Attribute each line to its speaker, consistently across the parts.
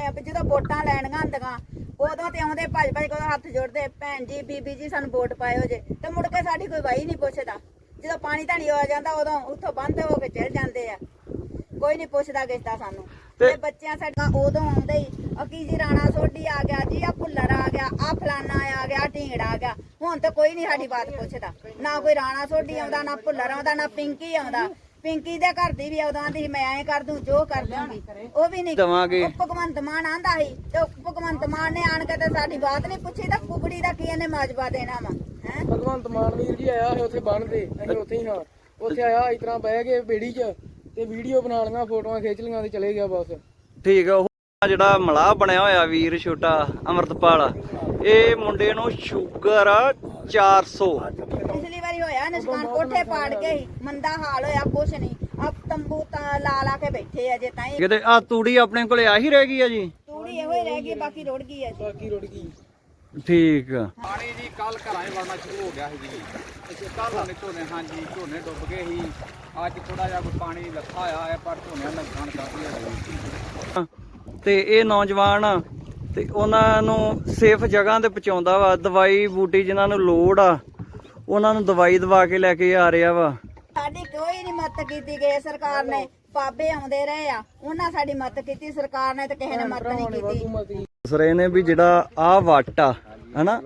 Speaker 1: ਆ ਵੀ ਜਦੋਂ ਵੋਟਾਂ ਲੈਣੀਆਂ ਹੁੰਦੀਆਂ ਉਦੋਂ ਤੇ ਆਉਂਦੇ ਭੱਜ ਭੱਜ ਕੇ ਹੱਥ ਜੋੜਦੇ ਭੈਣ ਜੀ ਬੀਬੀ ਜੀ ਸਾਨੂੰ ਵੋਟ ਪਾਇਓ ਜੇ ਤੇ ਮੁੜ ਕੇ ਸਾਡੀ ਕੋਈ ਵਾਈ ਨਹੀਂ ਪੁੱਛਦਾ। ਜਦੋਂ ਪਾਣੀ ਧਾਣੀ ਆ ਜਾਂਦਾ ਉਦੋਂ ਉੱਥੋਂ ਬੰਦ ਹੋ ਕੇ ਚਲ ਜਾਂਦੇ ਆ, ਕੋਈ ਨਹੀਂ ਪੁੱਛਦਾ ਕਿਸਦਾ ਸਾਨੂੰ। ਤੇ ਬੱਚਿਆਂ ਸਾਡਾ ਉਦੋਂ ਆਉਂਦੇ ਹੀ ਕੀ ਜੀ ਰਾਣਾ ਸੋਢੀ ਆ ਗਿਆ ਜੀ, ਆ ਭੁੱਲਰ ਆ ਗਿਆ, ਆ ਫਲਾਨਾ ਆ ਗਿਆ, ਢੀਂਗੜਾ ਆ ਗਿਆ। ਹੁਣ ਤਾਂ ਕੋਈ ਨਹੀਂ ਸਾਡੀ ਬਾਤ ਪੁੱਛਦਾ, ਨਾ ਕੋਈ ਰਾਣਾ ਸੋਢੀ ਆਉਂਦਾ, ਨਾ ਭੁੱਲਰ ਆਉਂਦਾ, ਨਾ ਪਿੰਕੀ ਆਉਂਦਾ। ਪਿੰਕੀ ਦੇ ਘਰ ਦੀ ਵੀ ਉਦੋਂ ਆਂਦੀ ਮੈਂ ਐਂ ਕਰ ਦੂੰ ਜੋ ਕਰ ਦੂੰਗੀ, ਉਹ ਵੀ ਨਹੀਂ ਦਵਾਂਗੇ। ਭਗਵੰਤ ਮਾਨ ਆਂਦਾ ਸੀ ਤੇ ਭਗਵੰਤ ਮਾਨ ਨੇ ਆਣ ਕੇ ਤੇ ਸਾਡੀ ਬਾਤ ਨਹੀਂ ਪੁੱਛੀ ਤਾਂ ਕੁਕੜੀ ਦਾ ਕੀ ਇਹਨੇ ਮਾਜਬਾ ਦੇਣਾ ਵਾ ਹੈ। ਭਗਵੰਤ ਮਾਨ ਵੀਰ ਜੀ ਆਇਆ ਸੀ ਉੱਥੇ ਬੰਨ੍ਹਦੇ, ਅਸੀਂ ਉੱਥੇ ਹੀ ਹਾਂ, ਉੱਥੇ ਆਇਆ ਇਸ ਤਰ੍ਹਾਂ ਬਹਿ ਕੇ ਬੇੜੀ 'ਚ ਤੇ ਵੀਡੀਓ ਬਣਾ ਲਈਆਂ, ਫੋਟੋਆਂ ਖਿੱਚ ਲਈਆਂ ਤੇ ਚਲੇ ਗਿਆ ਬਸ। ਠੀਕ ਆ। ਜਿਹੜਾ ਮਲਾਹ ਬਣਿਆ ਹੋਇਆ ਵੀਰ ਛੋਟਾ ਅਮਰਤਪਾਲ, ਇਹ ਮੁੰਡੇ ਨੂੰ ਸ਼ੂਗਰ 400। ਪਿਛਲੀ ਵਾਰੀ ਹੋਇਆ ਨੁਕਸਾਨ, ਕੋਠੇ ਪਾੜ ਕੇ ਹੀ ਮੰਦਾ ਹਾਲ ਹੋਇਆ, ਕੁਛ ਨਹੀਂ ਆ ਤੰਬੂ ਤਾਂ ਲਾ ਕੇ ਬੈਠੇ ਆ ਜੇ ਤਾਂ ਕਿਤੇ। ਆ ਤੂੜੀ ਆਪਣੇ ਕੋਲੇ ਆਹੀ ਰਹਿ ਗਈ ਆ ਜੀ? ਤੂੜੀ ਇਹੋ ਹੀ ਰਹਿ ਗਈ, ਬਾਕੀ ਰੁੜ ਗਈ ਆ ਜੀ। ਬਾਕੀ ਰੁੜ ਗਈ। ਠੀਕ ਆ।
Speaker 2: ਪਾਣੀ ਜੀ ਕੱਲ ਘਰਾਂ 'ਚ ਵੜਨਾ ਸ਼ੁਰੂ ਹੋ ਗਿਆ ਸੀ ਜੀ। ਕੱਲ ਸਾਡੇ ਝੋਨੇ, ਹਾਂਜੀ ਝੋਨੇ ਡੁੱਬ ਗਏ ਸੀ। ਅੱਜ ਥੋੜਾ ਜਿਹਾ ਕੋਈ ਪਾਣੀ ਲੱਥਾ ਹੋਇਆ ਹੈ, ਪਰ ਝੋਨਿਆਂ ਦਾ ਨੁਕਸਾਨ ਕਾਫੀ ਹੋਇਆ।
Speaker 3: ਤੇ ਇਹ ਨੌਜਵਾਨ ਤੇ ਉਹਨਾਂ ਨੂੰ ਸੇਫ ਜਗ੍ਹਾ ਤੇ ਪਹੁੰਚਾਉਂਦਾ ਵਾ, ਦਵਾਈ ਬੂਟੀ ਜਿਨ੍ਹਾਂ ਨੂੰ ਲੋੜ ਆ ਉਹਨਾਂ ਨੂੰ ਦਵਾਈ ਦਵਾ ਕੇ ਲੈ ਕੇ ਆ ਰਿਹਾ ਵਾ।
Speaker 1: ਸਾਡੀ ਕੋਈ ਨਹੀਂ ਮਦਦ ਕੀਤੀ ਗਈ ਸਰਕਾਰ ਨੇ, ਬਾਬੇ ਆਉਂਦੇ ਰਹੇ ਆ ਉਹਨਾਂ ਸਾਡੀ ਮਦਦ ਕੀਤੀ, ਸਰਕਾਰ ਨੇ ਤੇ ਕਿਸੇ ਨੇ ਮਦਦ ਨਹੀਂ ਕੀਤੀ।
Speaker 3: ਦੱਸ ਰਹੇ ਨੇ ਵੀ ਜਿਹੜਾ ਆਹ ਵੱਟ ਆ ਹਨਾ,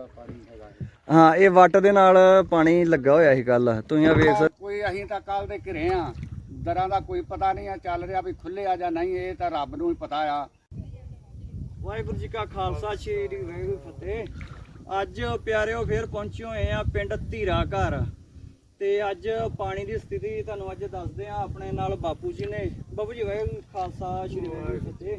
Speaker 3: ਹਾਂ ਇਹ ਵੱਟ ਦੇ ਨਾਲ ਪਾਣੀ ਲੱਗਾ ਹੋਇਆ ਸੀ ਕੱਲ, ਤੁਸੀਂ ਆ ਵੇਖ ਸਕਦੇ।
Speaker 2: ਕੋਈ ਅਸੀਂ ਤਾਂ ਕੱਲ ਦੇ ਘਰੇ ਆ, ਦਰਾਂ ਦਾ ਕੋਈ ਪਤਾ ਨਹੀਂ ਆ ਚੱਲ ਰਿਹਾ ਵੀ ਖੁੱਲੇ ਆ ਜਾਂ ਨਹੀਂ, ਇਹ ਤਾਂ ਰੱਬ ਨੂੰ ਹੀ ਪਤਾ ਆ।
Speaker 3: ਵਾਹਿਗੁਰੂ ਜੀ ਕਾ ਖਾਲਸਾ, ਸ੍ਰੀ ਵਾਹਿਗੁਰੂ ਫਤਿਹ। ਅੱਜ ਪਿਆਰਿਓ ਫੇਰ ਪਹੁੰਚੇ ਹੋਏ ਆ ਪਿੰਡ ਧੀਰਾ ਘਰ, ਤੇ ਅੱਜ ਪਾਣੀ ਦੀ ਸਥਿਤੀ ਤੁਹਾਨੂੰ ਅੱਜ ਦੱਸਦੇ ਆ। ਆਪਣੇ ਨਾਲ ਬਾਪੂ ਜੀ ਨੇ। ਬਾਪੂ ਜੀ ਵਾਹਿਗੁਰੂ ਖਾਲਸਾ, ਸ੍ਰੀ ਵਾਹਿਗੁਰੂ ਫਤਿਹ।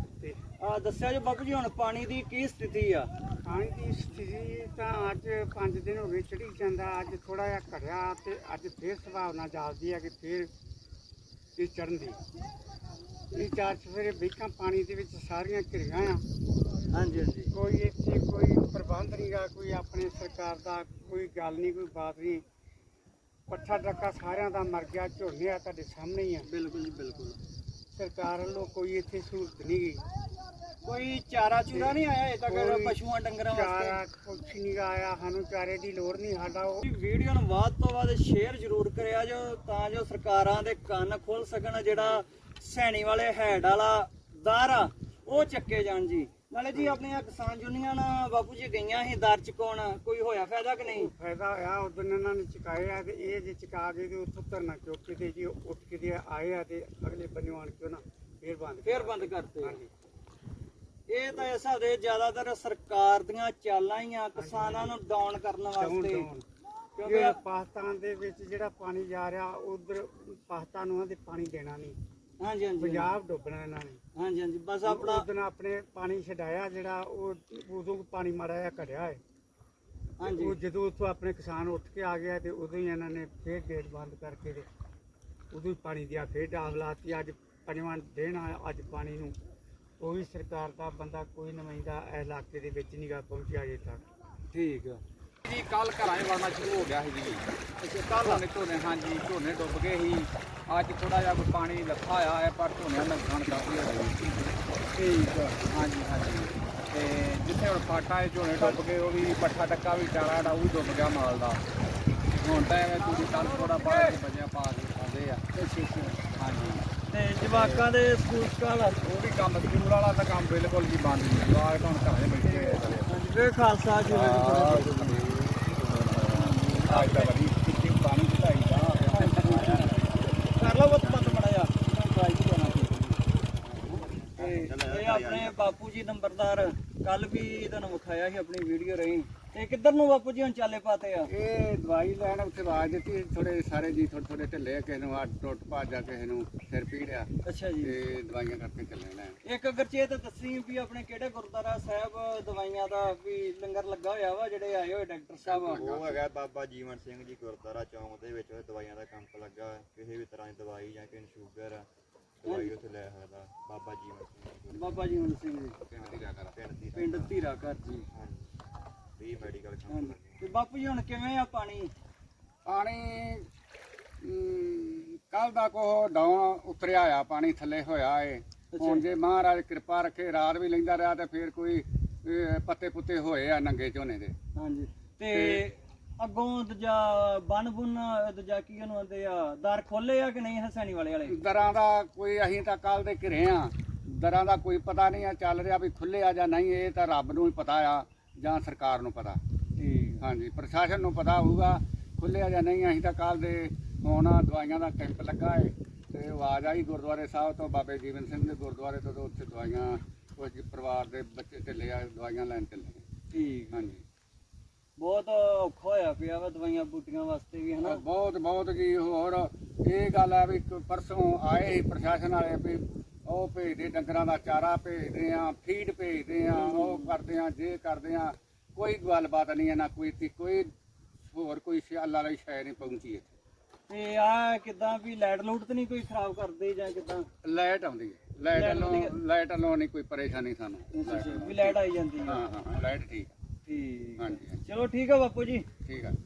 Speaker 3: ਦੱਸਿਆ ਜੀ ਬਾਪੂ ਜੀ ਹੁਣ ਪਾਣੀ ਦੀ ਕੀ ਸਥਿਤੀ ਆ?
Speaker 4: ਪਾਣੀ ਦੀ ਸਥਿਤੀ ਤਾਂ ਅੱਜ 5 ਦਿਨ ਹੋ ਗਏ ਚੜੀ ਜਾਂਦਾ, ਅੱਜ ਥੋੜਾ ਜਿਹਾ ਘਟਿਆ ਤੇ ਅੱਜ ਫੇਰ ਸੰਭਾਵਨਾ ਜਾਪਦੀ ਹੈ ਕਿ ਫੇਰ ਇਹ ਚੜ੍ਹਨ ਦੀ। ਇਹ 4 ਸਵੇਰੇ ਬੇਕਾਂ ਪਾਣੀ ਦੇ ਵਿੱਚ ਸਾਰੀਆਂ ਘਿਰੀਆਂ ਆ।
Speaker 3: ਹਾਂਜੀ ਹਾਂਜੀ।
Speaker 4: ਕੋਈ ਇੱਥੇ ਕੋਈ ਪ੍ਰਬੰਧ ਨਹੀਂ ਗਾ, ਕੋਈ ਆਪਣੇ ਸਰਕਾਰ ਦਾ ਕੋਈ ਗੱਲ ਨਹੀਂ, ਕੋਈ ਬਾਤ ਨਹੀਂ। ਪੱਠਾ ਟੱਕਾ ਸਾਰਿਆਂ ਦਾ ਮਰ ਗਿਆ, ਝੋਨੇ ਆ ਤੁਹਾਡੇ ਸਾਹਮਣੇ ਹੀ ਆ।
Speaker 3: ਬਿਲਕੁਲ ਜੀ ਬਿਲਕੁਲ।
Speaker 4: ਸਰਕਾਰ ਵੱਲੋਂ ਕੋਈ ਇੱਥੇ ਸਹੂਲਤ ਨਹੀਂ ਗਈ,
Speaker 3: ਕੋਈ ਚਾਰਾ ਚੂਰਾ ਨਹੀਂ ਆਇਆ ਅਜੇ ਤੱਕ ਪਸ਼ੂਆਂ ਡੰਗਰਾਂ
Speaker 4: ਚਾਰਾ
Speaker 3: ਵਾਸਤੇ?
Speaker 4: ਕੁਛ ਨਹੀਂ ਗਾ ਆਇਆ, ਸਾਨੂੰ ਚਾਰੇ ਦੀ ਲੋੜ ਨਹੀਂ। ਸਾਡਾ ਉਹ
Speaker 3: ਵੀਡੀਓ ਨੂੰ ਵੱਧ ਤੋਂ ਵੱਧ ਸ਼ੇਅਰ ਜ਼ਰੂਰ ਕਰਿਆ ਜੋ, ਤਾਂ ਜੋ ਸਰਕਾਰਾਂ ਦੇ ਕੰਨ ਖੁੱਲ ਸਕਣ। ਜਿਹੜਾ ਸੈਣੀ ਵਾਲੇ ਹੈਡ ਵਾਲਾ ਦਰ ਆ ਉਹ ਚੱਕੇ ਜਾਣ ਜੀ। ਨਾਲੇ ਜੀ ਆਪਣੀਆਂ ਕਿਸਾਨ ਯੂਨੀਅਨ ਬਾਪੂ ਜੀ ਗਈਆਂ ਸੀ ਦਰ ਚੁਕਾਉਣ, ਕੋਈ ਹੋਇਆ ਫਾਇਦਾ ਕਿ ਨਹੀਂ?
Speaker 4: ਫਾਇਦਾ ਹੋਇਆ, ਉਦੋਂ ਇਹਨਾਂ ਨੇ ਚੁਕਾਏ ਆ ਤੇ ਇਹ ਜੇ ਚੁਕਾ ਕੇ ਤੇ ਉੱਥੋਂ ਧਰਨਾ ਚੁੱਕ ਕੇ ਤੇ ਜੀ ਉੱਠ ਕੇ ਤੇ ਆਏ ਆ ਤੇ ਅਗਲੇ ਬੰਨੇ ਆਣ ਕੇ ਨਾ ਫੇਰ ਬੰਦ ਕਰਤੇ।
Speaker 3: ਹਾਂਜੀ। ਇਹ ਤਾਂ ਇਸ ਹੱਦੇ ਜ਼ਿਆਦਾਤਰ ਸਰਕਾਰ ਦੀਆਂ ਚਾਲਾਂ ਹੀ ਆ ਕਿਸਾਨਾਂ ਨੂੰ ਡਾਊਨ ਕਰਨ ਵਾਸਤੇ।
Speaker 4: ਕਿਉਂਕਿ ਪਾਕਿਸਤਾਨ ਦੇ ਵਿੱਚ ਜਿਹੜਾ ਪਾਣੀ ਜਾ ਰਿਹਾ, ਉਧਰ ਪਾਕਿਸਤਾਨ ਨੂੰ ਆਂਦੇ ਪਾਣੀ ਦੇਣਾ ਨਹੀਂ।
Speaker 3: ਹਾਂਜੀ ਹਾਂਜੀ।
Speaker 4: ਪੰਜਾਬ ਡੁੱਬਣਾ ਇਹਨਾਂ ਨੇ।
Speaker 3: ਹਾਂਜੀ ਹਾਂਜੀ। ਬਸ ਆਪਣਾ
Speaker 4: ਉਦੋਂ ਆਪਣੇ ਪਾਣੀ ਛਡਾਇਆ ਜਿਹੜਾ, ਉਹ ਉਦੋਂ ਪਾਣੀ ਮਾੜਾ ਜਿਹਾ ਘਟਿਆ ਹੈ।
Speaker 3: ਹਾਂਜੀ।
Speaker 4: ਉਹ ਜਦੋਂ ਉੱਥੋਂ ਆਪਣੇ ਕਿਸਾਨ ਉੱਠ ਕੇ ਆ ਗਿਆ ਤੇ ਉਦੋਂ ਹੀ ਇਹਨਾਂ ਨੇ ਫੇਰ ਗੇਟ ਬੰਦ ਕਰਕੇ ਤੇ ਉਦੋਂ ਹੀ ਪਾਣੀ ਦਿਆ, ਫੇਰ ਡਾਬ ਲਾਤੀ। ਅੱਜ 5ਵਾਂ ਦਿਨ ਆ ਅੱਜ ਪਾਣੀ ਨੂੰ। ਕੋਈ ਸਰਕਾਰ ਦਾ ਬੰਦਾ, ਕੋਈ ਨੁਮਾਇੰਦਾ ਇਸ ਇਲਾਕੇ ਦੇ ਵਿੱਚ ਨਹੀਂ ਗਾ ਪਹੁੰਚਿਆ ਅਜੇ ਤੱਕ।
Speaker 3: ਠੀਕ ਆ
Speaker 2: ਜੀ ਕੱਲ ਘਰਾਂ 'ਚ ਵੜਨਾ ਸ਼ੁਰੂ ਹੋ ਗਿਆ ਸੀ ਜੀ। ਕੱਲ ਸਾਡੇ ਝੋਨੇ, ਹਾਂਜੀ ਝੋਨੇ ਡੁੱਬ ਗਏ ਸੀ। ਅੱਜ ਥੋੜਾ ਜਿਹਾ ਕੋਈ ਪਾਣੀ ਲੱਥਾ ਹੋਇਆ ਹੈ, ਪਰ ਝੋਨਿਆਂ ਦਾ ਨੁਕਸਾਨ ਕਾਫੀ ਹੋਇਆ।
Speaker 3: ਠੀਕ ਆ।
Speaker 2: ਹਾਂਜੀ ਹਾਂਜੀ। ਤੇ ਜਿੱਥੇ ਹੁਣ ਫਾਟਾ ਝੋਨੇ ਡੁੱਬ ਗਏ, ਉਹ ਵੀ ਪੱਠਾ ਟੱਕਾ ਵੀ ਚਾਰਾ ਜਿਹੜਾ ਉਹ ਵੀ ਡੁੱਬ ਗਿਆ ਮਾਲ ਦਾ। ਹੁਣ ਤਾਂ ਐਵੇਂ ਤੁਸੀਂ ਕੱਲ ਥੋੜਾ ਬਾਹਰ ਬਜਿਆ ਪਾ ਕੇ ਖਾਂਦੇ ਆ। ਹਾਂਜੀ।
Speaker 3: ਤੇ ਜਵਾਕਾਂ ਦੇ ਸਕੂਲ ਸਕਾਲ
Speaker 2: ਉਹ ਵੀ ਕੰਮ ਸਕੂਲ ਵਾਲਾ ਤਾਂ ਕੰਮ ਬਿਲਕੁਲ ਜੀ ਬੰਦ ਨਹੀਂ। ਜਵਾਕ ਤਾਂ ਹੁਣ ਘਰਾਂ 'ਚ ਬੈਠੇ ਹੋਏ ਆ।
Speaker 3: ਹਾਂਜੀ। ਵੇ ਖਾਲਸਾ ਜੀ
Speaker 2: ਅੱਜ ਤਾਂ ਬੜੀ ਕਿੱਥੇ ਪਾਣੀ ਚੜਾਈ ਦਾ
Speaker 3: ਕਰ ਲਓ ਬਹੁਤ ਬੰਦ ਮੜਾ ਜਾ। ਇਹ ਆਪਣੇ ਬਾਪੂ ਜੀ ਨੰਬਰਦਾਰ ਕੱਲ ਵੀ ਤੁਹਾਨੂੰ ਵਿਖਾਇਆ ਸੀ ਆਪਣੀ ਵੀਡੀਓ ਰਹੀ। ਤੇ ਕਿੱਧਰ ਨੂੰ ਬਾਪੂ ਜੀ ਹੁਣ ਚਾਲੇ ਪਾਤੇ ਆ?
Speaker 2: ਇਹ ਦਵਾਈ ਲੈਣ ਉੱਥੇ ਆਵਾਜ਼ ਦਿੱਤੀ, ਥੋੜੇ ਸਾਰੇ ਜੀ ਥੋੜੇ ਥੋੜੇ ਢਿੱਲੇ, ਕਿਸੇ ਨੂੰ ਟੁੱਟ ਭੱਜਾ, ਕਿਸੇ ਨੂੰ ਸਿਰ ਪੀੜਿਆ
Speaker 3: ਅੱਛਾ ਜੀ।
Speaker 2: ਤੇ ਦਵਾਈਆਂ ਕਰਕੇ ਚੱਲੇ ਲੈਣ।
Speaker 3: ਇੱਕ ਗਰਚੇਤ ਦੱਸੀ ਵੀ ਆਪਣੇ ਕਿਹੜੇ ਗੁਰਦੁਆਰਾ ਸਾਹਿਬ ਦਵਾਈਆਂ ਦਾ ਵੀ ਲੰਗਰ ਲੱਗਾ ਹੋਇਆ ਵਾ, ਜਿਹੜੇ ਆਏ ਹੋਏ ਡਾਕਟਰ ਸਾਹਿਬ?
Speaker 5: ਉਹ ਹੈਗਾ ਬਾਬਾ ਜੀਵਨ ਸਿੰਘ ਜੀ ਗੁਰਦੁਆਰਾ ਚੌਂਕ ਦੇ ਵਿੱਚ ਦਵਾਈਆਂ ਦਾ ਕੈਂਪ ਲੱਗਾ ਹੋਇਆ। ਕਿਸੇ ਵੀ ਤਰ੍ਹਾਂ ਦੀ ਦਵਾਈ ਜਾਂ ਕਿਸੇ ਨੂੰ ਸ਼ੂਗਰ ਆ, ਦਵਾਈ ਉੱਥੇ ਲੈ ਸਕਦਾ। ਬਾਬਾ ਜੀਵਨ ਸਿੰਘ ਜੀ,
Speaker 3: ਬਾਬਾ ਜੀਵਨ ਸਿੰਘ ਜੀ, ਪਿੰਡ ਧੀਰਾ ਘਰ ਜੀ।
Speaker 5: ਵੀ ਮੈਡੀਕਲ ਕੈਂਪ
Speaker 3: ਹਾਂਜੀ।
Speaker 5: ਲੱਗੇ।
Speaker 3: ਤੇ ਬਾਪੂ ਜੀ ਹੁਣ ਕਿਵੇਂ ਆ ਪਾਣੀ?
Speaker 2: ਪਾਣੀ ਕੱਲ ਦਾ ਕੋ ਡਾਊਨ ਉਤਰਿਆ ਆ, ਪਾਣੀ ਥੱਲੇ ਹੋਇਆ ਏ। ਹੁਣ ਜੇ ਮਹਾਰਾਜ ਕਿਰਪਾ ਰੱਖੇ ਰਾਤ ਵੀ ਲੈਂਦਾ ਰਿਹਾ ਤੇ ਫਿਰ ਕੋਈ ਪੱਤੇ ਪੁੱਤੇ ਹੋਏ ਆ ਨੰਗੇ ਝੋਨੇ ਦੇ।
Speaker 3: ਹਾਂਜੀ ਤੇ ਅੱਗੋਂ ਦੂਜਾ ਬਨ ਬੁਨ ਦੂਜਾ ਕੀ ਉਹਨੂੰ ਆਂਦੇ ਆ ਦਰ ਖੋਲੇ ਆ ਕਿ ਨਹੀਂ ਹਸੈਣੀ ਵਾਲੇ
Speaker 2: ਦਰਾਂ ਦਾ ਕੋਈ ਅਸੀਂ ਤਾਂ ਕੱਲ ਦੇ ਘਿਰੇ ਆ, ਦਰਾਂ ਦਾ ਕੋਈ ਪਤਾ ਨਹੀਂ ਆ ਚੱਲ ਰਿਹਾ ਵੀ ਖੁੱਲੇ ਆ ਜਾਂ ਨਹੀਂ, ਇਹ ਤਾਂ ਰੱਬ ਨੂੰ ਹੀ ਪਤਾ ਆ ਜਾਂ ਸਰਕਾਰ ਨੂੰ ਪਤਾ।
Speaker 3: ਠੀਕ
Speaker 2: ਹਾਂਜੀ ਪ੍ਰਸ਼ਾਸਨ ਨੂੰ ਪਤਾ ਹੋਊਗਾ ਖੁੱਲੇ ਆ ਜਾਂ ਨਹੀਂ। ਅਸੀਂ ਤਾਂ ਕੱਲ ਦੇ ਹੁਣ ਦਵਾਈਆਂ ਦਾ ਕੈਂਪ ਲੱਗਾ ਹੈ ਤੇ ਆਵਾਜ਼ ਆਈ ਗੁਰਦੁਆਰੇ ਸਾਹਿਬ ਤੋਂ ਬਾਬੇ ਜੀਵਨ ਸਿੰਘ ਦੇ ਗੁਰਦੁਆਰੇ ਤੋਂ, ਉੱਥੇ ਦਵਾਈਆਂ ਕੁਝ ਪਰਿਵਾਰ ਦੇ ਬੱਚੇ ਢਿੱਲੇ ਆ, ਦਵਾਈਆਂ ਲੈਣ ਚੱਲੇ।
Speaker 3: ਠੀਕ
Speaker 2: ਹਾਂਜੀ
Speaker 3: ਬਹੁਤ ਔਖਾ ਹੋਇਆ ਪਿਆ ਵਾ ਦਵਾਈਆਂ ਬੂਟੀਆਂ ਵਾਸਤੇ ਵੀ ਹਨਾ।
Speaker 2: ਬਹੁਤ ਕੀ ਹੋਰ ਇਹ ਗੱਲ ਆ ਵੀ ਪਰਸੋਂ ਆਏ ਸੀ ਪ੍ਰਸ਼ਾਸਨ ਵਾਲੇ ਵੀ ਉਹ ਭੇਜਦੇ ਡੰਗਰਾਂ ਦਾ ਚਾਰਾ ਭੇਜਦੇ ਆ, ਫੀਡ ਭੇਜਦੇ ਆ, ਉਹ ਕਰਦੇ ਆ, ਜੇ ਕਰਦੇ ਆ, ਕੋਈ ਗੱਲਬਾਤ ਨਹੀਂ ਹੈ ਨਾ ਕੋਈ ਹੋਰ ਕੋਈ ਅੱਲਾ ਵਾਲੀ ਸ਼ੈ ਨਹੀਂ ਪਹੁੰਚੀ ਇੱਥੇ।
Speaker 3: ਤੇ ਆ ਕਿਦਾਂ ਵੀ ਲਾਈਟ ਲੂਟ ਤੇ ਨਹੀਂ ਕੋਈ ਖਰਾਬ ਕਰਦੇ ਜਾਂ ਕਿਦਾਂ?
Speaker 2: ਲਾਈਟ ਆਉਂਦੀ ਹੈ, ਲਾਈਟ ਵੱਲੋਂ ਨਹੀਂ ਕੋਈ ਪਰੇਸ਼ਾਨੀ ਸਾਨੂੰ।
Speaker 3: ਵੀ ਲਾਈਟ ਆਈ ਜਾਂਦੀ ਹੈ?
Speaker 2: ਹਾਂ ਲਾਈਟ ਠੀਕ
Speaker 3: ਠੀਕ
Speaker 2: ਹਾਂਜੀ
Speaker 3: ਚਲੋ ਠੀਕ ਆ ਬਾਪੂ ਜੀ।
Speaker 2: ਠੀਕ ਆ।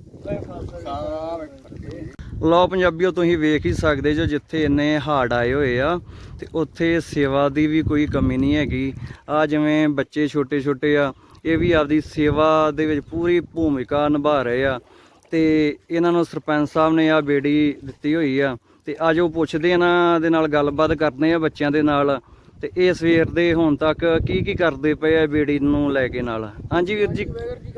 Speaker 3: ਸਾਰੇ ਲਓ ਪੰਜਾਬੀਓ ਤੁਸੀਂ ਵੇਖ ਹੀ ਸਕਦੇ ਜੋ ਜਿੱਥੇ ਇੰਨੇ ਹੜ੍ਹ ਆਏ ਹੋਏ ਆ ਤੇ ਉੱਥੇ ਸੇਵਾ ਦੀ ਵੀ ਕੋਈ ਕਮੀ ਨਹੀਂ ਹੈਗੀ। ਆ ਜਿਵੇਂ ਬੱਚੇ ਛੋਟੇ ਛੋਟੇ ਆ ਇਹ ਵੀ ਆਪਦੀ ਸੇਵਾ ਦੇ ਵਿੱਚ ਪੂਰੀ ਭੂਮਿਕਾ ਨਿਭਾ ਰਹੇ ਆ ਤੇ ਇਹਨਾਂ ਨੂੰ ਸਰਪੰਚ ਸਾਹਿਬ ਨੇ ਆ ਬੇੜੀ ਦਿੱਤੀ ਹੋਈ ਆ ਤੇ ਅੱਜ ਉਹ ਪੁੱਛਦੇ ਇਹਨਾਂ ਦੇ ਨਾਲ ਗੱਲਬਾਤ ਕਰਦੇ ਆ ਬੱਚਿਆਂ ਦੇ ਨਾਲ ਤੇ ਇਹ ਸਵੇਰ ਦੇ ਹੁਣ ਤੱਕ ਕੀ ਕਰਦੇ ਪਏ ਆ ਬੇੜੀ ਨੂੰ ਲੈ ਕੇ ਨਾਲ। ਹਾਂਜੀ ਵੀਰ ਜੀ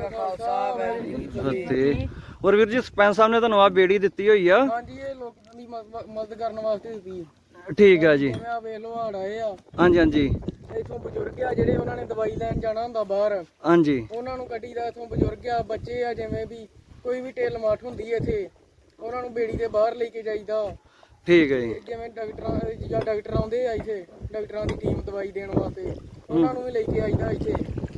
Speaker 3: ਤੇ ਹੋਰ ਵੀਰ ਜੀ ਸਰਪੰਚ ਸਾਹਿਬ ਨੇ ਤੁਹਾਨੂੰ ਆ ਬੇੜੀ ਦਿੱਤੀ ਹੋਈ ਆ?
Speaker 6: ਹਾਂਜੀ ਇਹ ਲੋਕਾਂ ਦੀ ਮਦਦ ਕਰਨ ਵਾਸਤੇ ਦਿੱਤੀ।
Speaker 3: ਠੀਕ ਆ ਜੀ।
Speaker 6: ਜਿਵੇਂ ਆ ਵੇਖ ਲੋ ਹੜ ਆਏ ਆ,
Speaker 3: ਹਾਂਜੀ ਹਾਂਜੀ
Speaker 6: ਇੱਥੋਂ ਬਜ਼ੁਰਗ ਆ ਜਿਹੜੇ ਉਹਨਾਂ ਨੇ ਦਵਾਈ ਲੈਣ ਜਾਣਾ ਹੁੰਦਾ ਬਾਹਰ,
Speaker 3: ਹਾਂਜੀ
Speaker 6: ਉਹਨਾਂ ਨੂੰ ਗੱਡੀ ਦਾ ਇੱਥੋਂ ਬਜ਼ੁਰਗ ਆ, ਬੱਚੇ ਆ, ਜਿਵੇਂ ਵੀ ਕੋਈ ਵੀ ਢਿੱਲ ਮਾਠ ਹੁੰਦੀ ਹੈ ਇੱਥੇ ਉਹਨਾਂ ਨੂੰ ਬੇੜੀ ਦੇ ਬਾਹਰ ਲੈ ਕੇ ਜਾਈਦਾ।
Speaker 3: ਠੀਕ ਹੈ ਜੀ।
Speaker 6: ਜਿਵੇਂ ਡਾਕਟਰ ਆਉਂਦੇ ਆ ਇੱਥੇ, ਡਾਕਟਰਾਂ ਦੀ ਟੀਮ ਦਵਾਈ ਦੇਣ ਵਾਸਤੇ ਉਹਨਾਂ ਨੂੰ ਵੀ ਲੈ ਕੇ ਆਈਦਾ ਇੱਥੇ।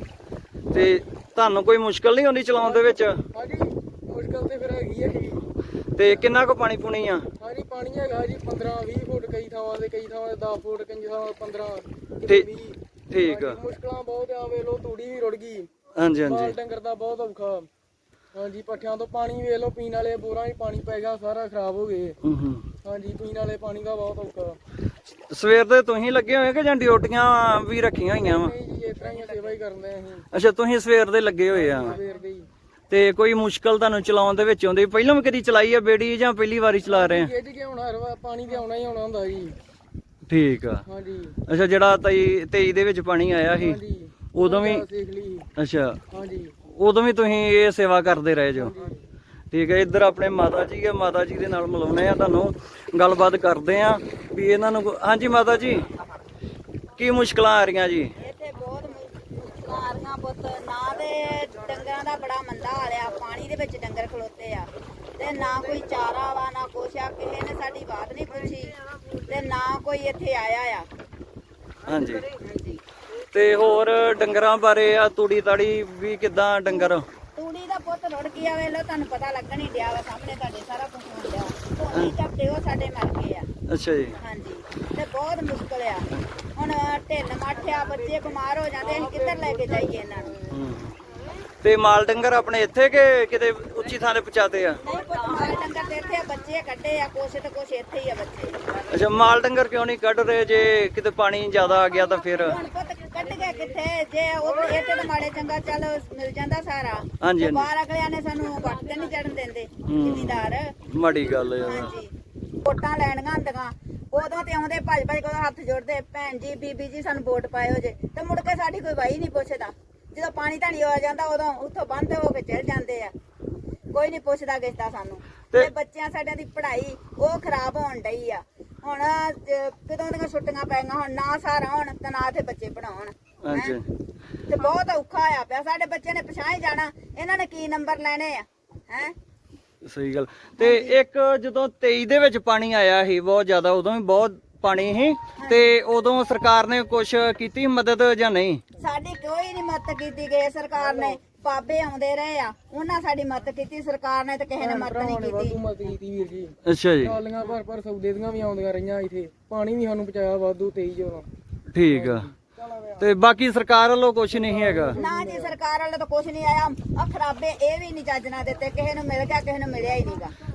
Speaker 3: ਤੇ ਤੁਹਾਨੂੰ ਕੋਈ ਮੁਸ਼ਕਲ ਨਹੀਂ ਆਉਂਦੀ ਚਲਾਉਣ ਦੇ ਵਿੱਚ?
Speaker 6: ਹਾਂਜੀ ਮੁਸ਼ਕਲ ਤੇ ਫਿਰ ਹੈਗੀ ਹੈ ਜੀ।
Speaker 3: ਤੇ ਕਿੰਨਾ ਕੁ ਪਾਣੀ ਪੂਣੀ ਆ?
Speaker 6: ਹਾਂਜੀ ਪਾਣੀ ਹੈਗਾ ਜੀ 15-20 ਫੁੱਟ ਕਈ ਥਾਵਾਂ ਤੇ 10 ਫੁੱਟ ਕਈ ਥਾਵਾਂ 15
Speaker 3: ਠੀਕ
Speaker 6: 20।
Speaker 3: ਠੀਕ ਆ।
Speaker 6: ਮੁਸ਼ਕਲਾਂ ਬਹੁਤ ਆ, ਵੇਖ ਲੋ ਤੂੜੀ ਵੀ ਰੁੜ ਗਈ,
Speaker 3: ਹਾਂਜੀ
Speaker 6: ਮਾਲ
Speaker 3: ਹਾਂਜੀ
Speaker 6: ਡੰਗਰ ਦਾ ਬਹੁਤ ਔਖਾ। ਹਾਂਜੀ ਪੱਠਿਆਂ ਤੋਂ ਪਾਣੀ ਵੇਖ ਲੋ, ਪੀਣ ਵਾਲੇ ਬੋਰਾਂ 'ਚ ਪਾਣੀ ਪੈ ਗਿਆ, ਸਾਰਾ ਖਰਾਬ ਹੋ ਗਏ। ਹਾਂਜੀ ਪੀਣ ਵਾਲੇ ਪਾਣੀ ਦਾ ਬਹੁਤ ਔਖਾ।
Speaker 3: ਸਵੇਰ ਦੇ ਤੁਸੀਂ ਲੱਗੇ ਹੋਏ ਕਿ ਜਾਂ ਡਿਊਟੀਆਂ ਵੀ ਰੱਖੀਆਂ ਹੋਈਆਂ ਵਾ?
Speaker 6: ਨਹੀਂ ਜੀ ਇਸ ਤਰ੍ਹਾਂ ਹੀ ਸੇਵਾ ਹੀ ਕਰਦੇ ਅਸੀਂ
Speaker 3: ਅੱਛਾ ਤੁਸੀਂ ਸਵੇਰ ਦੇ ਲੱਗੇ ਹੋਏ ਆ
Speaker 6: ਸਵੇਰ ਦੇ ਹੀ।
Speaker 3: ਤੇ ਕੋਈ ਮੁਸ਼ਕਲ ਤੁਹਾਨੂੰ ਚਲਾਉਣ ਦੇ ਵਿੱਚ ਆਉਂਦੀ? ਪਹਿਲਾਂ ਵੀ ਕਦੀ ਚਲਾਈ ਆ ਬੇੜੀ ਜਾਂ ਪਹਿਲੀ ਵਾਰੀ ਚਲਾ ਰਹੇ ਆ?
Speaker 6: ਗਿੱਝ ਕੇ ਹੁਣ ਹਰ ਵਾਰ ਪਾਣੀ ਤੇ ਆਉਣਾ ਹੀ ਆਉਣਾ ਹੁੰਦਾ ਜੀ।
Speaker 3: ਠੀਕ ਆ।
Speaker 6: ਹਾਂਜੀ
Speaker 3: ਅੱਛਾ ਜਿਹੜਾ 23 ਦੇ ਵਿੱਚ ਪਾਣੀ ਆਇਆ ਸੀ
Speaker 6: ਹਾਂਜੀ
Speaker 3: ਉਦੋਂ ਵੀ?
Speaker 6: ਸਿੱਖ ਲਈ।
Speaker 3: ਅੱਛਾ
Speaker 6: ਹਾਂਜੀ
Speaker 3: ਉਦੋਂ ਵੀ ਤੁਸੀਂ ਇਹ ਸੇਵਾ ਕਰਦੇ ਰਹੇ ਜੋ? ਠੀਕ ਹੈ। ਇੱਧਰ ਆਪਣੇ ਮਾਤਾ ਜੀ ਆ, ਮਾਤਾ ਜੀ ਦੇ ਨਾਲ ਮਿਲਾਉਣੇ ਆ ਤੁਹਾਨੂੰ, ਗੱਲਬਾਤ ਕਰਦੇ ਆ ਵੀ ਇਹਨਾਂ ਨੂੰ। ਹਾਂਜੀ ਮਾਤਾ ਜੀ ਕੀ ਮੁਸ਼ਕਲਾਂ ਆ ਰਹੀਆਂ ਜੀ?
Speaker 1: ਇੱਥੇ ਬਹੁਤ ਮੁਸ਼ਕਲਾਂ ਆ ਰਹੀਆਂ ਪੁੱਤ, ਨਾ ਤੇ ਡੰਗਰਾਂ ਦਾ ਬੜਾ ਮੰਦਾ ਹਾਲ ਆ, ਪਾਣੀ ਦੇ ਵਿੱਚ ਡੰਗਰ ਖਲੋਤੇ ਆ ਤੇ ਨਾ ਕੋਈ ਚਾਰਾ ਵਾ ਨਾ ਕੁਛ ਆ, ਕਿਸੇ ਨੇ ਸਾਡੀ ਬਾਤ ਨਹੀਂ ਪੁੱਛੀ ਤੇ ਨਾ ਕੋਈ ਇੱਥੇ ਆਇਆ ਆ।
Speaker 3: ਹਾਂਜੀ ਤੇ ਹੋਰ ਡੰਗਰਾਂ ਬਾਰੇ ਆ ਤੂੜੀ ਤਾੜੀ ਵੀ ਕਿਦਾਂ ਡੰਗਰ?
Speaker 1: ਤੂੜੀ ਦਾ ਪੁੱਤ ਰੁੜ ਗਿਆ, ਵੇਖ ਲੋ ਤੁਹਾਨੂੰ ਪਤਾ ਲੱਗਣ ਹੀ ਡਿਆ ਵਾ, ਸਾਹਮਣੇ ਤੁਹਾਡੇ ਸਾਰਾ ਕੁਝ ਹੋ ਗਿਆ। ਝੋਨੇ ਝਪਟੇ ਉਹ ਸਾਡੇ ਮਰ ਗਏ ਆ।
Speaker 3: ਅੱਛਾ ਜੀ।
Speaker 1: ਹਾਂਜੀ ਤੇ ਬਹੁਤ ਮੁਸ਼ਕਲ ਆ ਹੁਣ, ਢਿੱਲ ਮਾਠਿਆ, ਬੱਚੇ ਬਿਮਾਰ ਹੋ ਜਾਂਦੇ, ਅਸੀਂ ਕਿੱਧਰ ਲੈ ਕੇ ਜਾਈਏ ਇਹਨਾਂ ਨੂੰ?
Speaker 3: ਤੇ ਮਾਲ ਡੰਗਰ ਆਪਣੇ ਇੱਥੇ ਕਿ ਕਿਤੇ ਉੱਚੀ ਥਾਂ ਤੇ ਪਹੁੰਚਾਤੇ ਆ?
Speaker 1: ਨਹੀਂ ਪੁੱਤ ਮਾਲ ਡੰਗਰ ਤੇ ਇੱਥੇ ਆ, ਬੱਚੇ ਕੱਢੇ ਆ, ਕੁਛ ਤੇ ਕੁਛ ਇੱਥੇ ਹੀ ਆ ਬੱਚੇ।
Speaker 3: ਅੱਛਾ ਮਾਲ ਡੰਗਰ ਕਿਉਂ ਨਹੀਂ ਕੱਢ ਰਹੇ? ਜੇ ਕਿਤੇ ਪਾਣੀ ਜ਼ਿਆਦਾ ਆ ਗਿਆ ਤਾਂ ਫਿਰ?
Speaker 1: ਹੁਣ ਪੁੱਤ ਕੱਢ ਗਏ ਕਿੱਥੇ, ਜੇ ਉਹ ਇੱਥੇ ਤਾਂ ਮਾੜੇ ਚੰਗਾ ਚੱਲ ਮਿਲ ਜਾਂਦਾ ਸਾਰਾ।
Speaker 3: ਹਾਂਜੀ,
Speaker 1: ਤੇ ਬਾਹਰ ਅਗਲਿਆਂ ਨੇ ਸਾਨੂੰ ਵੱਟ ਤੇ ਨਹੀਂ ਚੜਨ ਦਿੰਦੇ ਜ਼ਿਮੀਂਦਾਰ।
Speaker 3: ਮਾੜੀ ਗੱਲ ਆ।
Speaker 1: ਹਾਂਜੀ ਵੋਟਾਂ ਲੈਣੀਆਂ ਹੁੰਦੀਆਂ ਉਦੋਂ ਤੇ ਆਉਂਦੇ ਭੱਜ ਭੱਜ ਕੇ ਹੱਥ ਜੋੜਦੇ, ਭੈਣ ਜੀ ਬੀਬੀ ਜੀ ਸਾਨੂੰ ਵੋਟ ਪਾਇਓ ਜੇ, ਤੇ ਮੁੜ ਕੇ ਸਾਡੀ ਕੋਈ ਵਾਈ ਨਹੀਂ ਪੁੱਛਦਾ। ਜਦੋਂ ਪਾਣੀ ਧਾਣੀ ਆ ਜਾਂਦਾ ਉਦੋਂ ਉੱਥੋਂ ਬੰਦ ਹੋ ਕੇ ਚੜ ਜਾਂਦੇ ਆ, ਕੋਈ ਨਹੀਂ ਪੁੱਛਦਾ ਕਿਸਦਾ ਸਾਨੂੰ। ਤੇ ਬੱਚਿਆਂ ਸਾਡਿਆਂ ਦੀ ਪੜ੍ਹਾਈ ਉਹ ਖਰਾਬ ਹੋਣ ਡਈ ਆ। ਹੁਣ ਕਦੋਂ ਦੀਆਂ ਛੁੱਟੀਆਂ ਪੈ ਗਈਆਂ, ਹੁਣ ਨਾ ਸਾਰਾ ਹੋਣ ਤੇ ਨਾ ਤੇ ਬੱਚੇ ਪੜਾਉਣ।
Speaker 3: ਹਾਂਜੀ
Speaker 1: ਤੇ ਬਹੁਤ ਔਖਾ ਹੋਇਆ ਪਿਆ, ਸਾਡੇ ਬੱਚੇ ਨੇ ਪਛਾਣ ਹੀ ਜਾਣਾ, ਇਹਨਾਂ ਨੇ ਕੀ ਨੰਬਰ ਲੈਣੇ ਆ ਹੈ।
Speaker 3: ਸਹੀ ਗੱਲ। ਤੇ ਇੱਕ ਜਦੋਂ 23 ਦੇ ਵਿੱਚ ਪਾਣੀ ਆਇਆ ਸੀ ਬਹੁਤ ਜ਼ਿਆਦਾ, ਉਦੋਂ ਵੀ ਬਹੁਤ ਪਾਣੀ ਸੀ ਤੇ ਉਦੋਂ ਸਰਕਾਰ ਨੇ ਕੁਝ ਕੀਤੀ ਮਦਦ ਜਾਂ ਨਹੀਂ?
Speaker 1: ਸਾਡੀ ਕੋਈ ਨਹੀਂ ਮਦਦ ਕੀਤੀ ਗਈ ਸਰਕਾਰ ਨੇ, ਬਾਬੇ ਆਉਂਦੇ ਰਹੇ ਆ, ਉਹਨਾਂ ਸਾਡੀ ਮਦਦ ਕੀਤੀ, ਸਰਕਾਰ ਨੇ ਤਾਂ ਕਿਸੇ ਨੇ ਮਦਦ ਨਹੀਂ ਕੀਤੀ।
Speaker 6: ਵਾਧੂ ਮਦਦ ਕੀਤੀ ਵੀਰ ਜੀ।
Speaker 3: ਅੱਛਾ ਜੀ।
Speaker 6: ਟਰਾਲੀਆਂ ਭਰ ਸੌਦੇ ਦੀਆਂ ਵੀ ਆਉਂਦੀਆਂ ਰਹੀਆਂ ਇੱਥੇ, ਪਾਣੀ ਵੀ ਸਾਨੂੰ ਪਹੁੰਚਾਇਆ ਵਾਧੂ 23 ਜਦੋਂ।
Speaker 3: ਠੀਕ ਆ। ਤੇ ਬਾਕੀ ਸਰਕਾਰ ਵੱਲੋਂ ਕੁਝ ਨਹੀਂ ਹੈਗਾ?
Speaker 1: ਨਾ ਜੀ ਸਰਕਾਰ ਵੱਲੋਂ ਤਾਂ ਕੁਝ ਨਹੀਂ ਆਇਆ। ਆ ਖਰਾਬੇ ਇਹ ਵੀ ਨਹੀਂ ਚੱਜ ਨਾਲ ਦਿੱਤੇ, ਕਿਸੇ ਨੂੰ ਮਿਲ ਗਿਆ ਕਿਸੇ ਨੂੰ ਮਿਲਿਆ ਹੀ ਨਹੀਂਗਾ।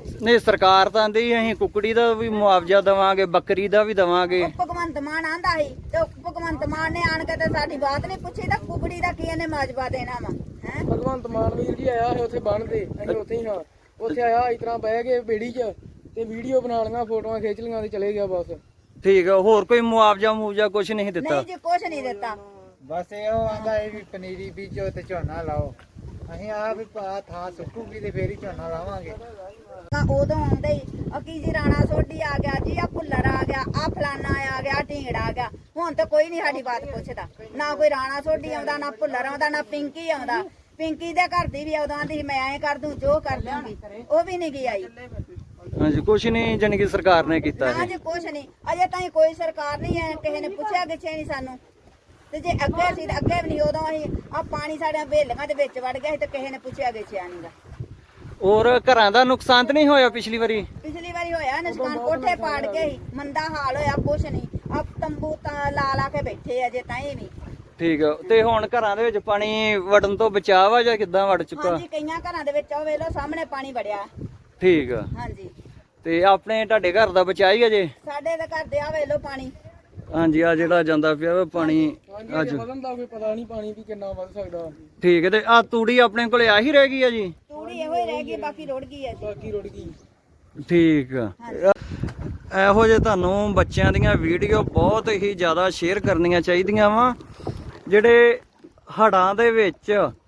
Speaker 3: ਨਹੀਂ ਸਰਕਾਰ ਤਾਂ ਆਂਦੀ ਅਸੀਂ ਕੁਕੜੀ ਦਾ ਵੀ ਮੁਆਵਜ਼ਾ ਦੇਵਾਂਗੇ, ਬੱਕਰੀ ਦਾ ਵੀ ਦੇਵਾਂਗੇ।
Speaker 1: ਉਹ ਭਗਵੰਤ ਮਾਨ ਆਂਦਾ ਸੀ ਤੇ ਉਹ ਭਗਵੰਤ ਮਾਨ ਨੇ ਆਣ ਕੇ ਤੇ ਸਾਡੀ ਬਾਤ ਨਹੀਂ ਪੁੱਛੀ ਤਾਂ ਕੁਕੜੀ ਦਾ ਕੀ ਇਹਨੇ ਮਾਜਬਾ ਦੇਣਾ ਵਾ ਹੈ।
Speaker 6: ਭਗਵੰਤ ਮਾਨ ਵੀਰ ਜੀ ਆਇਆ ਹੈ ਉੱਥੇ ਬੰਨ ਤੇ, ਅਸੀਂ ਉੱਥੇ ਹੀ ਹਾਂ। ਉੱਥੇ ਆਇਆ ਇਸ ਤਰ੍ਹਾਂ ਬਹਿ ਕੇ ਬੇੜੀ 'ਚ ਤੇ ਵੀਡੀਓ ਬਣਾ ਲਈਆਂ, ਫੋਟੋਆਂ ਖਿੱਚ ਲਈਆਂ ਤੇ ਚਲੇ ਗਿਆ ਬਸ।
Speaker 3: ਠੀਕ ਆ, ਹੋਰ ਕੋਈ ਮੁਆਵਜ਼ਾ ਕੁਝ ਨਹੀਂ ਦਿੱਤਾ?
Speaker 1: ਨਹੀਂ ਜੀ ਕੁਛ ਨਹੀਂ ਦਿੱਤਾ।
Speaker 4: ਬਸ ਇਹੋ ਆਂਦਾ ਇਹ ਵੀ ਪਨੀਰੀ ਬੀਜੋ ਤੇ ਝੋਨਾ ਲਾਓ। ਅਸੀਂ ਆ ਵੀ ਥਾਂ ਸੁੱਕੂਗੀ ਤੇ ਫੇਰ ਹੀ ਝੋਨਾ ਲਾਵਾਂਗੇ।
Speaker 1: ਉਦੋਂ ਆਉਂਦੇ ਹੀ ਕੀ ਜੀ ਰਾਣਾ ਸੋਢੀ ਆ ਗਿਆ ਜੀ, ਆ ਭੁੱਲਰ ਆ ਗਿਆ, ਆ ਫਲਾਨਾ ਆ ਗਿਆ, ਢੀਂਗੜਾ ਆ ਗਿਆ। ਹੁਣ ਤਾਂ ਕੋਈ ਨਹੀਂ ਸਾਡੀ ਬਾਤ ਪੁੱਛਦਾ, ਨਾ ਕੋਈ ਰਾਣਾ ਸੋਢੀ ਆਉਂਦਾ, ਨਾ ਭੁੱਲਰ ਆਉਂਦਾ, ਨਾ ਪਿੰਕੀ ਆਉਂਦਾ। ਪਿੰਕੀ ਦੇ ਘਰ ਦੀ ਵੀ ਉਦੋਂ ਆਂਦੀ ਮੈਂ ਐਂ ਕਰ ਦੂੰ ਜੋ ਕਰ ਦੂੰਗੀ, ਉਹ ਵੀ ਨਹੀਂ ਗਈ ਆਈ।
Speaker 3: ਹਾਂਜੀ ਕੁਝ ਨਹੀਂ ਜਾਣੀ ਕਿ ਸਰਕਾਰ ਨੇ ਕੀਤਾ
Speaker 1: ਨਾ ਜੀ ਕੁਛ ਨਹੀਂ, ਅਜੇ ਤਾਈਂ ਕੋਈ ਸਰਕਾਰ ਨਹੀਂ ਹੈ, ਕਿਸੇ ਨੇ ਪੁੱਛਿਆ ਗਿੱਛਿਆ ਨਹੀਂ ਸਾਨੂੰ। ਤੇ ਜੇ ਅੱਗੇ ਸੀ ਤਾਂ ਅੱਗੇ ਵੀ ਨਹੀਂ, ਉਦੋਂ ਅਸੀਂ ਆ ਪਾਣੀ ਸਾਡੀਆਂ ਬੇਲੀਆਂ ਦੇ ਵਿੱਚ ਵੜ ਗਿਆ ਸੀ ਤੇ ਕਿਸੇ ਨੇ ਪੁੱਛਿਆ ਗਿੱਛਿਆ ਨਹੀਂਗਾ।
Speaker 3: ਔਰ ਘਰਾਂ ਦਾ ਨੁਕਸਾਨ ਤਾਂ ਨਹੀਂ ਹੋਇਆ ਪਿਛਲੀ ਵਾਰੀ?
Speaker 1: ਪਿਛਲੀ ਵਾਰੀ ਹੋਇਆ ਨੁਕਸਾਨ, ਕੋਠੇ ਪਾੜ ਗਏ ਸੀ, ਮੰਦਾ ਹਾਲ ਹੋਇਆ, ਕੁਛ ਨਹੀਂ। ਆ ਤੰਬੂ ਤਾਂ ਲਾ ਕੇ ਬੈਠੇ ਅਜੇ ਤਾਈਂ ਵੀ।
Speaker 3: ਠੀਕ ਆ, ਤੇ ਹੁਣ ਘਰਾਂ ਦੇ ਵਿੱਚ ਪਾਣੀ ਵੜਨ ਤੋਂ ਬਚਾਅ ਆ ਜਾਂ ਕਿੱਦਾਂ ਵੜ ਚੁੱਕਾ?
Speaker 1: ਹਾਂਜੀ ਕਈਆਂ ਘਰਾਂ ਦੇ ਵਿੱਚ ਉਹ ਵੇਖ ਲਓ ਸਾਹਮਣੇ ਪਾਣੀ ਵੜਿਆ।
Speaker 3: ਠੀਕ ਆ,
Speaker 1: ਹਾਂਜੀ
Speaker 3: ਤੇ ਆਪਣੇ ਤੁਹਾਡੇ ਘਰ ਦਾ ਬਚਾਅ ਹੀ ਅਜੇ?
Speaker 1: ਸਾਡੇ ਦੇ ਘਰ ਦੇ ਆ ਵੇਖ ਲਓ ਪਾਣੀ।
Speaker 3: ਹਾਂਜੀ ਆ ਜਿਹੜਾ ਜਾਂਦਾ ਪਿਆ ਵਾ ਪਾਣੀ ਅੱਜ।
Speaker 6: ਹਾਂਜੀ ਵਧਣ ਦਾ ਕੋਈ ਪਤਾ ਨਹੀਂ ਪਾਣੀ ਵੀ ਕਿੰਨਾ ਵੱਧ ਸਕਦਾ।
Speaker 3: ਠੀਕ ਹੈ, ਤੇ ਆ ਤੂੜੀ ਆਪਣੇ ਕੋਲੇ ਆਹੀ ਰਹਿ ਗਈ ਆ ਜੀ?
Speaker 1: ਤੂੜੀ ਇਹੋ ਹੀ ਰਹਿ ਗਈ, ਬਾਕੀ ਰੁੜ ਗਈ ਹੈ ਜੀ।
Speaker 6: ਬਾਕੀ ਰੁੜ ਗਈ।
Speaker 3: ਠੀਕ ਆ। ਇਹੋ ਜਿਹੇ ਤੁਹਾਨੂੰ ਬੱਚਿਆਂ ਦੀਆਂ ਵੀਡੀਓ ਬਹੁਤ ਹੀ ਜ਼ਿਆਦਾ ਸ਼ੇਅਰ ਕਰਨੀਆਂ ਚਾਹੀਦੀਆਂ ਵਾ, ਜਿਹੜੇ ਹੜ੍ਹਾਂ ਦੇ ਵਿੱਚ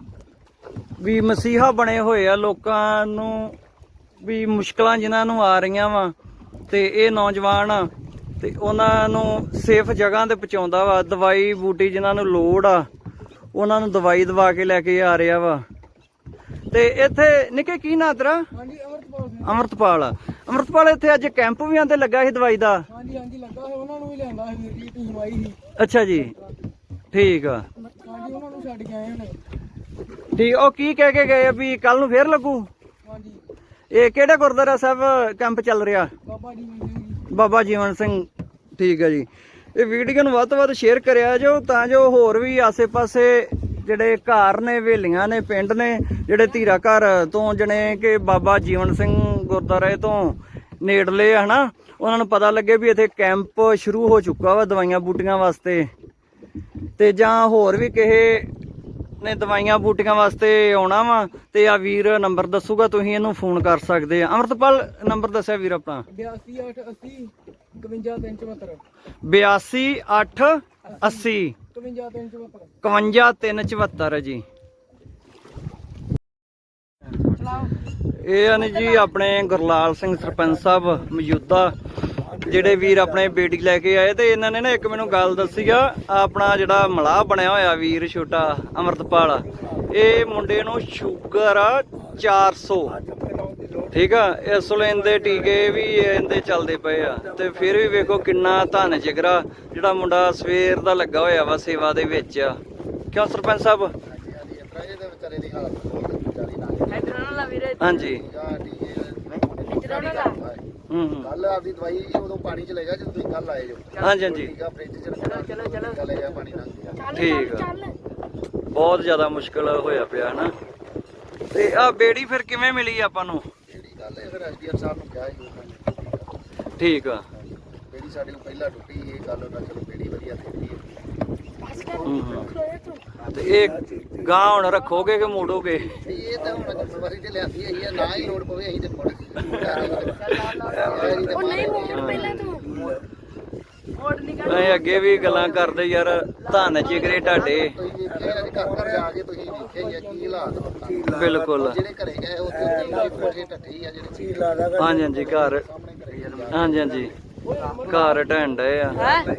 Speaker 3: ਵੀ ਮਸੀਹਾ ਬਣੇ ਹੋਏ ਆ, ਲੋਕਾਂ ਨੂੰ ਵੀ ਮੁਸ਼ਕਲਾਂ ਜਿਨ੍ਹਾਂ ਨੂੰ ਆ ਰਹੀਆਂ ਵਾ, ਤੇ ਇਹ ਨੌਜਵਾਨ ਤੇ ਉਹਨਾਂ ਨੂੰ ਸੇਫ ਜਗ੍ਹਾ ਤੇ ਪਹੁੰਚਾਉਂਦਾ ਵਾ। ਦਵਾਈ ਬੂਟੀ ਜਿਨ੍ਹਾਂ ਨੂੰ ਲੋੜ ਆ ਉਹਨਾਂ ਨੂੰ ਦਵਾਈ ਦਵਾ ਕੇ ਲੈ ਕੇ ਆ ਰਿਹਾ ਵਾ। ਤੇ ਇੱਥੇ ਨਿੱਕੇ ਕੀ ਨਾਂ ਤੇਰਾ?
Speaker 6: ਹਾਂਜੀ ਅਮਰਤਪਾਲ ਸਿੰਘ।
Speaker 3: ਅਮਰਤਪਾਲ ਇੱਥੇ ਅੱਜ ਕੈਂਪ ਵੀ ਆਂਦੇ ਲੱਗਾ ਸੀ ਦਵਾਈ ਦਾ?
Speaker 6: ਹਾਂਜੀ ਲੱਗਾ ਹੈ, ਉਹਨਾਂ ਨੂੰ ਵੀ ਲਿਆਂਦਾ ਸੀ ਵੀਰ ਜੀ, ਟੀਮ ਆਈ ਸੀ।
Speaker 3: ਅੱਛਾ ਜੀ, ਠੀਕ ਆ।
Speaker 6: ਹਾਂਜੀ ਉਹਨਾਂ ਨੂੰ ਛੱਡ ਕੇ ਆਏ ਹੁਣ।
Speaker 3: ਠੀਕ, ਉਹ ਕੀ ਕਹਿ ਕੇ ਗਏ ਆ ਵੀ ਕੱਲ ਨੂੰ ਫੇਰ ਲੱਗੂ?
Speaker 6: ਹਾਂਜੀ
Speaker 3: ਇਹ ਕਿਹੜੇ ਗੁਰਦੁਆਰਾ ਸਾਹਿਬ ਕੈਂਪ ਚੱਲ ਰਿਹਾ?
Speaker 6: ਬਾਬਾ ਜੀ ਜੀ।
Speaker 3: ਬਾਬਾ ਜੀਵਨ ਸਿੰਘ। ਠੀਕ ਹੈ ਜੀ, ਇਹ ਵੀਡੀਓ ਨੂੰ ਵੱਧ ਤੋਂ ਵੱਧ ਸ਼ੇਅਰ ਕਰਿਆ ਜੋ, ਤਾਂ ਜੋ ਹੋਰ ਵੀ ਆਸੇ-ਪਾਸੇ ਜਿਹੜੇ ਘਰ ਨੇ, ਹਵੇਲੀਆਂ ਨੇ, ਪਿੰਡ ਨੇ, ਜਿਹੜੇ ਧੀਰਾ ਘਰ ਤੋਂ ਜਣੇ ਕਿ ਬਾਬਾ ਜੀਵਨ ਸਿੰਘ ਗੁਰਦੁਆਰੇ ਤੋਂ ਨੇੜਲੇ ਆ ਹਨਾ, ਉਹਨਾਂ ਨੂੰ ਪਤਾ ਲੱਗੇ ਵੀ ਇੱਥੇ ਕੈਂਪ ਸ਼ੁਰੂ ਹੋ ਚੁੱਕਾ ਵਾ ਦਵਾਈਆਂ ਬੂਟੀਆਂ ਵਾਸਤੇ। ਤੇ ਜਾਂ ਹੋਰ ਵੀ ਕਿਸੇ ਨੇ ਦਵਾਈਆਂ ਬੂਟੀਆਂ ਵਾਸਤੇ ਆਉਣਾ ਵਾ ਤੇ ਆ ਵੀਰ ਨੰਬਰ ਦੱਸੂਗਾ, ਤੁਸੀਂ ਇਹਨੂੰ ਫੋਨ ਕਰ ਸਕਦੇ ਆ। ਅਮਰਤਪਾਲ ਨੰਬਰ ਦੱਸਿਆ ਵੀਰ ਆਪਣਾ?
Speaker 6: 82 880 51374।
Speaker 3: 82 880 51374 ਜੀ। ਇਹ ਹਨ ਜੀ ਆਪਣੇ ਗੁਰਲਾਲ ਸਿੰਘ ਸਰਪੰਚ ਸਾਹਿਬ ਮੌਜੂਦਾ, ਜਿਹੜੇ ਵੀਰ ਆਪਣੇ ਬੇਟੀ ਲੈ ਕੇ ਆਏ। ਤੇ ਇਹਨਾਂ ਨੇ ਨਾ ਇੱਕ ਮੈਨੂੰ ਗੱਲ ਦੱਸੀ ਆ, ਆਪਣਾ ਜਿਹੜਾ ਮਲਾਹ ਬਣਿਆ ਹੋਇਆ ਵੀਰ ਛੋਟਾ ਅਮਰਤਪਾਲ, ਇਹ ਮੁੰਡੇ ਨੂੰ ਸ਼ੂਗਰ ਆ 400। ਠੀਕ ਆ, ਇਸ ਵੇਲੇ ਇਹਦੇ ਟੀਕੇ ਵੀ ਇਹਦੇ ਚੱਲਦੇ ਪਏ ਆ, ਤੇ ਫਿਰ ਵੀ ਵੇਖੋ ਕਿੰਨਾ ਧੰਨ ਜਿਗਰਾ ਜਿਹੜਾ ਮੁੰਡਾ ਸਵੇਰ ਦਾ ਲੱਗਾ ਹੋਇਆ ਵਾ ਸੇਵਾ ਦੇ ਵਿੱਚ। ਕਿਉਂ ਸਰਪੰਚ ਸਾਹਿਬ? ਹਾਂਜੀ
Speaker 7: ਕੱਲ ਆਪਦੀ ਦਵਾਈ ਉਦੋਂ ਪਾਣੀ ਚ ਲੈ ਗਿਆ ਜਦੋਂ ਤੁਸੀਂ ਕੱਲ ਆਏ ਜੋ।
Speaker 3: ਹਾਂਜੀ ਹਾਂਜੀ
Speaker 7: ਠੀਕ ਆ, ਫ੍ਰਿਜ ਚ ਚਲੋ ਲੈ ਗਿਆ ਪਾਣੀ ਨਾਲ।
Speaker 3: ਠੀਕ ਆ, ਬਹੁਤ ਜ਼ਿਆਦਾ ਮੁਸ਼ਕਲ ਹੋਇਆ ਪਿਆ ਨਾ। ਤੇ ਆ ਬੇੜੀ ਫਿਰ ਕਿਵੇਂ ਮਿਲੀ ਆਪਾਂ ਨੂੰ?
Speaker 7: ਜਿਹੜੀ ਗੱਲ ਹੈ ਫਿਰ ਐਸਡੀਐਮ ਸਾਹਿਬ ਨੂੰ ਕਿਹਾ ਸੀ ਉਹਨਾਂ ਨੇ।
Speaker 3: ਠੀਕ ਆ,
Speaker 7: ਬੇੜੀ ਸਾਡੇ ਕੋਲ ਪਹਿਲਾਂ ਟੁੱਟੀ, ਇਹ ਗੱਲ ਉਹਨਾਂ ਚਲੋ ਬੇੜੀ ਵਧੀਆ ਦਿੱਤੀ ਹੈ।
Speaker 3: ਤੇ ਇਹ ਗਾਂ ਹੁਣ ਰੱਖੋਗੇ ਕਿ ਮੋੜੋਗੇ?
Speaker 7: ਇਹ ਤਾਂ ਹੁਣ ਜ਼ਿੰਮੇਵਾਰੀ ਤੇ ਲਿਆਂਦੀ ਹੈ, ਨਾ ਹੀ ਲੋੜ ਪਵੇ ਅਸੀਂ ਤੇ ਮੁੜ
Speaker 3: ਅਸੀਂ ਅੱਗੇ ਵੀ ਗੱਲਾਂ ਕਰਦੇ ਯਾਰ, ਧੰਨ ਜਿਗਰੇ ਤੁਹਾਡੇ।
Speaker 7: ਤੁਸੀਂ ਵੇਖਿਆ ਘਰ ਘਰ ਜਾ ਕੇ ਤੁਸੀਂ ਵੇਖਿਆ ਹੀ ਆ ਕੀ ਹਾਲਾਤ ਵਾ।
Speaker 3: ਬਿਲਕੁਲ।
Speaker 7: ਜਿਹੜੇ ਘਰੇ ਗਏ ਉੱਥੇ ਕੋਠੇ ਟੱਟੇ ਹੀ ਆ ਜਿਹੜੇ।
Speaker 3: ਹਾਂਜੀ ਹਾਂਜੀ ਘਰ, ਹਾਂਜੀ ਹਾਂਜੀ ਘਰ ਢਹਿਣ ਡਏ ਆ।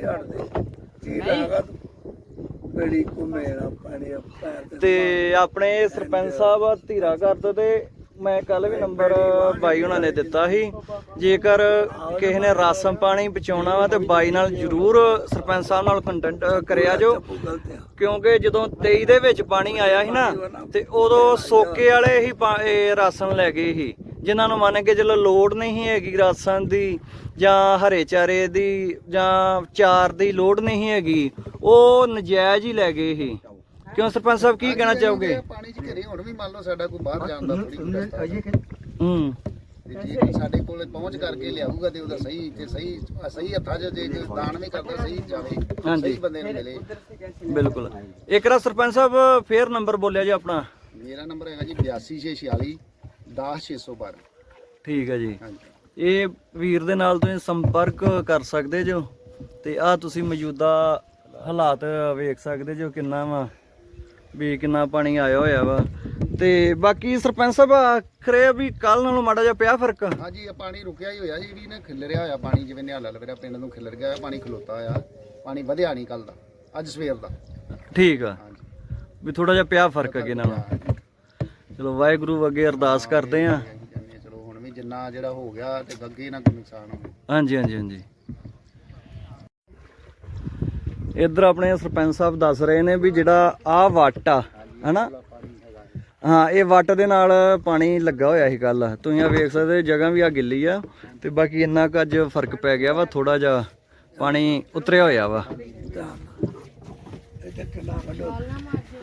Speaker 3: ਤੇ ਆਪਣੇ ਸਰਪੰਚ ਸਾਹਿਬ ਧੀਰਾ ਘਰ ਤੋਂ, ਤੇ ਮੈਂ ਕੱਲ ਵੀ ਨੰਬਰ ਬਾਈ ਉਹਨਾਂ ਨੇ ਦਿੱਤਾ ਸੀ, ਜੇਕਰ ਕਿਸੇ ਨੇ ਰਾਸ਼ਨ ਪਾਣੀ ਪਹੁੰਚਾਉਣਾ ਵਾ ਤੇ ਬਾਈ ਨਾਲ ਜ਼ਰੂਰ ਸਰਪੰਚ ਸਾਹਿਬ ਨਾਲ ਕੰਟੈਕਟ ਕਰਿਆ ਜੋ, ਕਿਉਂਕਿ ਜਦੋਂ 23 ਦੇ ਵਿੱਚ ਪਾਣੀ ਆਇਆ ਸੀ ਨਾ, ਤੇ ਉਦੋਂ ਸੋਕੇ ਵਾਲੇ ਹੀ ਰਾਸ਼ਨ ਲੈ ਗਏ ਸੀ, ਜਿਨ੍ਹਾਂ ਨੂੰ ਮੰਨ ਕੇ ਚਲੋ ਲੋੜ ਨਹੀਂ ਹੈਗੀ ਰਾਸ਼ਨ ਦੀ ਜਾਂ ਹਰੇ ਚਾਰੇ ਦੀ ਜਾਂ ਚਾਰ ਦੀ ਲੋੜ ਨਹੀਂ ਹੈਗੀ, ਉਹ ਨਜਾਇਜ਼ ਹੀ ਲੈ ਗਏ ਸੀ। ਕਿਉਂ ਸਰਪੰਚ ਸਾਹਿਬ ਕੀ ਕਹਿਣਾ ਚਾਹੋਗੇ?
Speaker 7: ਪਾਣੀ ਚ ਘਰੇ ਹੁਣ ਵੀ ਮੰਨ ਲਓ ਸਾਡਾ ਕੋਈ ਬਾਹਰ ਜਾਣ ਦਾ ਥੋੜੀ ਰਸਤਾ। ਤੇ ਜੇ ਸਾਡੇ ਕੋਲ ਪਹੁੰਚ ਕਰਕੇ ਲਿਆਊਗਾ ਤੇ ਉਹਦਾ ਸਹੀ ਤੇ ਸਹੀ ਹੱਥਾਂ 'ਚ ਜੇ ਕੋਈ ਦਾਨ ਵੀ ਕਰਦਾ ਸਹੀ ਜਾਵੇ,
Speaker 3: ਹਾਂਜੀ।
Speaker 7: ਸਹੀ ਬੰਦੇ ਨੂੰ ਮਿਲੇ।
Speaker 3: ਬਿਲਕੁਲ। ਇੱਕ ਰਾ ਸਰਪੰਚ ਸਾਹਿਬ ਫੇਰ ਨੰਬਰ ਬੋਲਿਆ ਜੀ ਆਪਣਾ।
Speaker 7: ਮੇਰਾ ਨੰਬਰ ਹੈਗਾ ਜੀ 8246 10612।
Speaker 3: ਠੀਕ ਹੈ ਜੀ।
Speaker 7: ਹਾਂਜੀ
Speaker 3: ਇਹ ਵੀਰ ਦੇ ਨਾਲ ਤੁਸੀਂ ਸੰਪਰਕ ਕਰ ਸਕਦੇ ਜੋ ਤੇ ਆ ਤੁਸੀਂ ਮੌਜੂਦਾ ਹਾਲਾਤ ਵੇਖ ਸਕਦੇ ਜੋ ਕਿੰਨਾ ਵਾ ਵੀ ਕਿੰਨਾ ਪਾਣੀ ਆਇਆ ਹੋਇਆ ਵਾ। ਤੇ ਬਾਕੀ ਸਰਪੰਚ ਸਾਹਿਬ ਆਖਰੇ ਵੀ ਕੱਲ ਨਾਲੋਂ ਮਾੜਾ ਜਿਹਾ ਪਿਆ ਫਰਕ।
Speaker 7: ਹਾਂਜੀ ਇਹ ਪਾਣੀ ਰੁਕਿਆ ਹੀ ਹੋਇਆ ਸੀ ਵੀ ਨਾ ਖਿਲਰਿਆ ਹੋਇਆ ਪਾਣੀ, ਜਿਵੇਂ ਨਿਹਾਲਾ ਲਵੇਰਾ ਪਿੰਡ ਨੂੰ ਖਿਲਰ ਗਿਆ ਪਾਣੀ, ਖਲੋਤਾ ਹੋਇਆ ਪਾਣੀ, ਵਧਿਆ ਨਹੀਂ ਕੱਲ ਦਾ, ਅੱਜ ਸਵੇਰ ਦਾ।
Speaker 3: ਠੀਕ ਆ
Speaker 7: ਹਾਂਜੀ
Speaker 3: ਵੀ ਥੋੜਾ ਜਿਹਾ ਪਿਆ ਫਰਕ ਅੱਗੇ ਨਾਲੋਂ। ਚਲੋ ਵਾਹਿਗੁਰੂ ਅੱਗੇ ਅਰਦਾਸ ਕਰਦੇ ਆ।
Speaker 7: ਚਲੋ ਹੁਣ ਵੀ ਜਿੰਨਾ ਜਿਹੜਾ ਹੋ ਗਿਆ ਤੇ ਅੱਗੇ ਨਾ ਕੋਈ ਨੁਕਸਾਨ ਹੋਵੇ।
Speaker 3: ਹਾਂਜੀ ਹਾਂਜੀ ਹਾਂਜੀ। ਇੱਧਰ ਆਪਣੇ ਸਰਪੰਚ ਸਾਹਿਬ ਦੱਸ ਰਹੇ ਨੇ ਵੀ ਜਿਹੜਾ ਆਹ ਵੱਟ ਆ ਹਨਾ, ਹਾਂ ਇਹ ਵੱਟ ਦੇ ਨਾਲ ਪਾਣੀ ਲੱਗਾ ਹੋਇਆ ਸੀ ਕੱਲ। ਤੁਸੀਂ ਆ ਵੇਖ ਸਕਦੇ ਜਗ੍ਹਾ ਵੀ ਆ ਗਿੱਲੀ ਆ ਤੇ ਬਾਕੀ ਇੰਨਾ ਕੁ ਅੱਜ ਫਰਕ ਪੈ ਗਿਆ ਵਾ, ਥੋੜਾ ਜਿਹਾ ਪਾਣੀ ਉਤਰਿਆ ਹੋਇਆ ਵਾ।